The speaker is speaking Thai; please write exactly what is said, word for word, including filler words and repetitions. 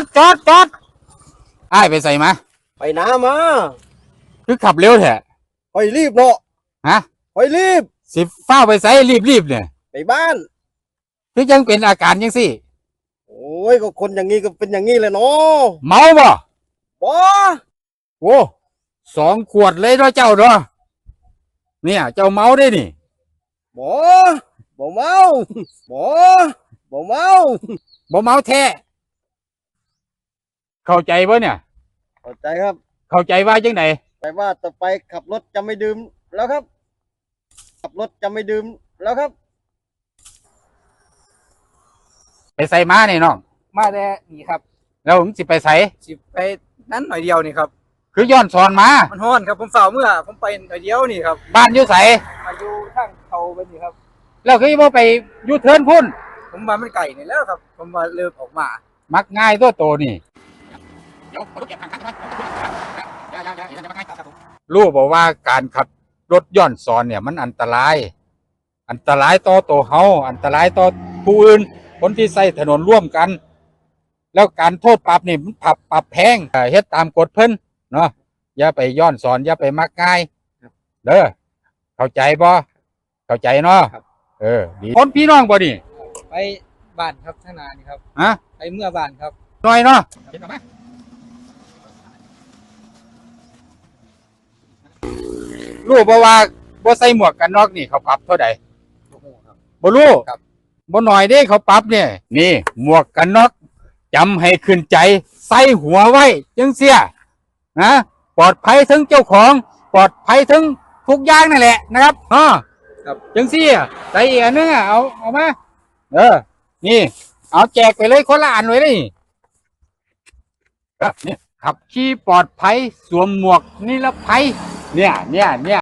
ดจอดจอดไอ้ไปใส่มาไปน้ำมาคือขับเร็วแท้คอยรีบเนาะฮะคอยรีบสิฟ้าไปใส่รีบรีบเนี่ยไปบ้านคือยังเป็นอาการยังสิโอ้ยก็คนอย่างนี้ก็เป็นอย่างนี้เลยเนาะเมาบ่บ่โอ้สองขวดเลยเนาะเจ้าเนาะเนี่ยเจ้าเมาได้นี่บ่บ่เมาบ่บ่เมาบ่เมาแท้เข้าใจป่ะเนี่ยเข้าใจครับเข้าใจว่าจังไหนแต่ว่าต่อไปขับรถจะไม่ดื่มแล้วครับขับรถจะไม่ดื่มแล้วครับไปใส่มาเนี่ยน้องมาแต่นี่ครับแล้วผมสิไปใส่สิไปนั้นหน่อยเดียวนี่ครับคือย้อนสอนมามันฮ้อนครับผมเฝ้าเมื่อผมไปหน่อยเดียวนี่ครับบ้านอยู่ใส่มาอยู่ทางเขาไปนี่ครับแล้วคือว่าไปยูเทิร์นพุ่นผมมามันไก่นี่แล้วครับผมมาเริ่มออกมามักง่ายตัวโตนี่รู้บอกว่าการขับรถย้อนสอนเนี่ยมันอันตรายอันตรายต่อตัวเฮาอันตรายต่อผู้อื่นคนที่ใช้ถนนร่วมกันแล้วการโทษปรับนี่มันปรับปรับแพงเฮ็ดตามกฎเพิ่นเนาะอย่าไปย้อนสอนอย่าไปมักง่ายเด้อเข้าใจบ่เข้าใจเนาะเออดีคนพี่น้องบ่นี่ไปบ้านครับท่านานี่ครับฮะไปเมื่อบ้านครับหน่อยเนาะรู้บ่ว่าบ่ใส่หมวกกันน็อกนี่เขาปรับเท่าใดบ่รู้บ่หน่อยเด้เขาปรับเนี่ยนี่หมวกกันน็อกจำให้ขึ้นใจใส่หัวไว้จังเสียนะปลอดภัยทั้งเจ้าของปลอดภัยทั้งทุกอย่างนั่นแหละนะครับฮะครับจังเสียใส่อีกอันนึงอ่ะเอาเอามาเออนี่เอาแจกไปเลยคนละอันไว้เลยนี่ขับขี่ปลอดภัยสวมหมวกนิรภัยเนี่ยเนี่ยเนี่ย